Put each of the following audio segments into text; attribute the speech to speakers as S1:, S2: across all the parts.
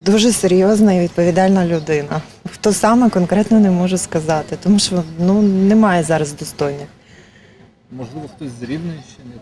S1: Дуже серйозна і відповідальна людина. Хто саме конкретно не можу сказати, тому що немає зараз достойних.
S2: Можливо, хтось з Рівненщини?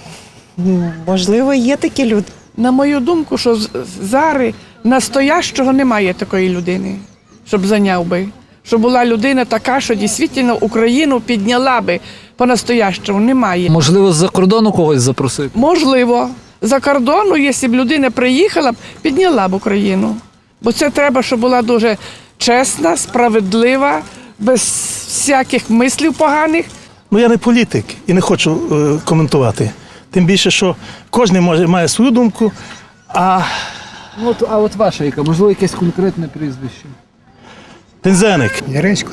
S1: Можливо, є такі люди.
S3: На мою думку, що зараз настоящого немає такої людини, щоб зайняв би. Щоб була людина така, що дійсно Україну підняла би по-настоящому. Немає.
S2: Можливо, з-за кордону когось запросити?
S3: Можливо, за кордону, якщо б людина приїхала, підняла б Україну. Бо це треба, щоб була дуже чесна, справедлива, без всяких мислів поганих.
S4: Я не політик і не хочу коментувати. Тим більше, що кожен має свою думку,
S2: А от ваша яка? Можливо, якесь конкретне прізвище?
S4: Пензеник.
S5: Яресько.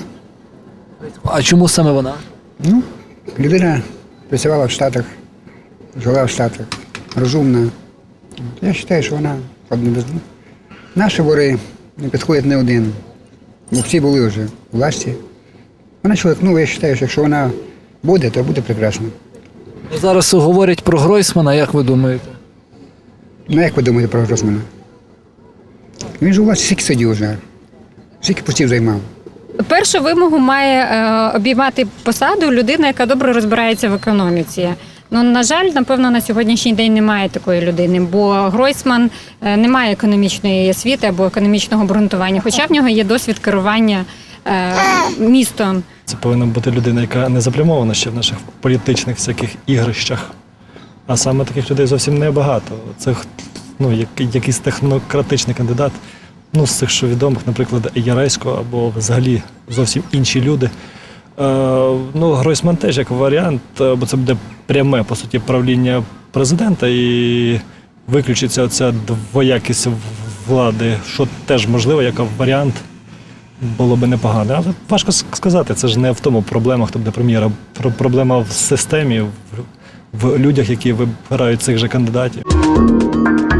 S2: А чому саме вона?
S5: Людина працювала в Штатах, жила в Штатах, розумна. Я вважаю, що вона одна без двох. Наші вори не підходять не один, бо всі були вже у власті. Вона чоловік, я вважаю, що якщо вона буде, то буде прекрасно.
S2: Зараз говорять про Гройсмана, як ви думаєте?
S5: Як ви думаєте про Гройсмана? Він ж у вас скільки сидів вже, скільки постів займав.
S6: Першу вимогу має обіймати посаду людина, яка добре розбирається в економіці. На жаль, напевно, на сьогоднішній день немає такої людини, бо Гройсман не має економічної освіти або економічного обґрунтування, хоча в нього є досвід керування містом.
S7: Це повинна бути людина, яка не заплямована ще в наших політичних всяких ігрищах. А саме таких людей зовсім небагато. Це якийсь технократичний кандидат. З цих, що відомих, наприклад, Яресько або взагалі зовсім інші люди. Гройсман теж як варіант, бо це буде пряме, по суті, правління президента і виключиться оця двоякість влади, що теж можливо, як варіант було би непогано. Але важко сказати, це ж не в тому проблема, хто буде прем'єром. Проблема в системі, в людях, які вибирають цих же кандидатів.